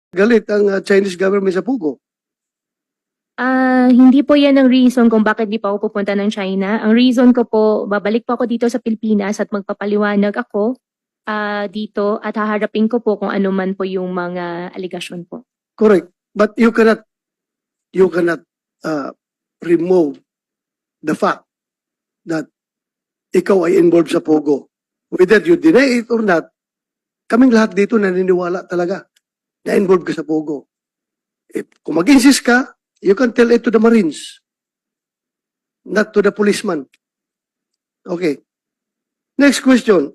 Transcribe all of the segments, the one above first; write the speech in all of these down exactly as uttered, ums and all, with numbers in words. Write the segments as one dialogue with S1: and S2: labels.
S1: galit ang uh, Chinese government sa Pugo.
S2: Ah, hindi po yan ang reason kung bakit di pa ako pupunta ng China. Ang reason ko po, babalik po ako dito sa Pilipinas at magpapaliwanag ako ah, dito at haharapin ko po kung ano man po yung mga aligasyon po.
S1: Correct. But you cannot, you cannot uh, remove the fact that ikaw ay involved sa Pogo. Whether you deny it or not, kaming lahat dito naniniwala talaga na involved ka sa Pogo. If, kung mag-insist ka, you can tell it to the Marines, not to the policeman. Okay. Next question.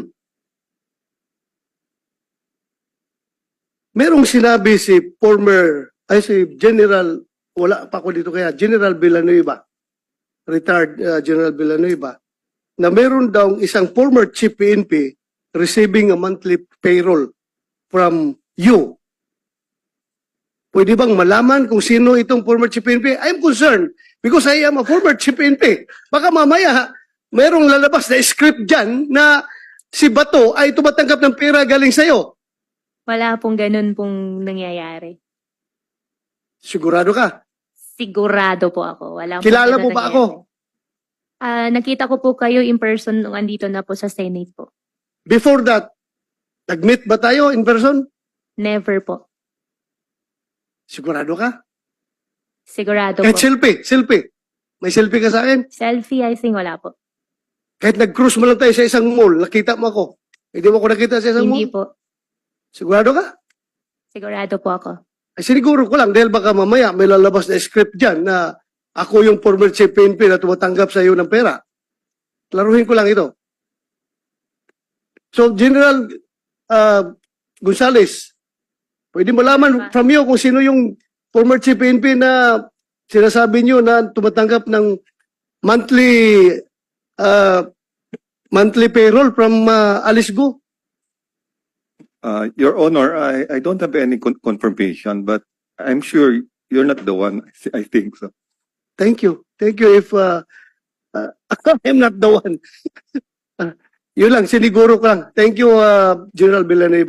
S1: Merong sinabi si former, ay si General, wala pa ako dito kaya, General Villanueva, retired uh, General Villanueva, na meron daw isang former chief P N P receiving a monthly payroll from you. Pwede bang malaman kung sino itong former chief P N P? I'm concerned because I am a former chief P N P. Baka mamaya, merong lalabas na script dyan na si Bato ay tumatanggap ng pera galing sa'yo.
S2: Wala pong ganun pong nangyayari.
S1: Sigurado ka?
S2: Sigurado po ako. Wala pong
S1: Kilala
S2: ganun
S1: mo ba
S2: nangyayari.
S1: ako?
S2: Ah, nakita ko po kayo in person nung andito na po sa Senate po.
S1: Before that, nag-meet ba tayo in person?
S2: Never po.
S1: Sigurado ka?
S2: Sigurado
S1: Kahit
S2: po.
S1: selfie, selfie. May selfie ka sa akin?
S2: Selfie, I think wala po.
S1: Kahit nag-cruise mo lang tayo sa isang mall, nakita mo ako. Hindi mo ako nakita sa isang
S2: Hindi
S1: mall?
S2: po.
S1: Sigurado ka?
S2: Sigurado po ako.
S1: Ay siniguro ko lang dahil baka mamaya may lalabas na script dyan na ako yung former chief P N P na tumatanggap sa iyo ng pera. Klaruhin ko lang ito. So, General uh, Gonzales, pwede malaman from you kung sino yung former chief P N P na sinasabi niyo na tumatanggap ng monthly uh, monthly payroll from uh, Alice Go?
S3: Uh, Your Honor, I, I don't have any con- confirmation, but I'm sure you're not the one. I think so.
S1: Thank you. Thank you if uh, uh, I'm not the one. uh, yun lang, siniguro ko lang. Thank you, uh, General Villanueva.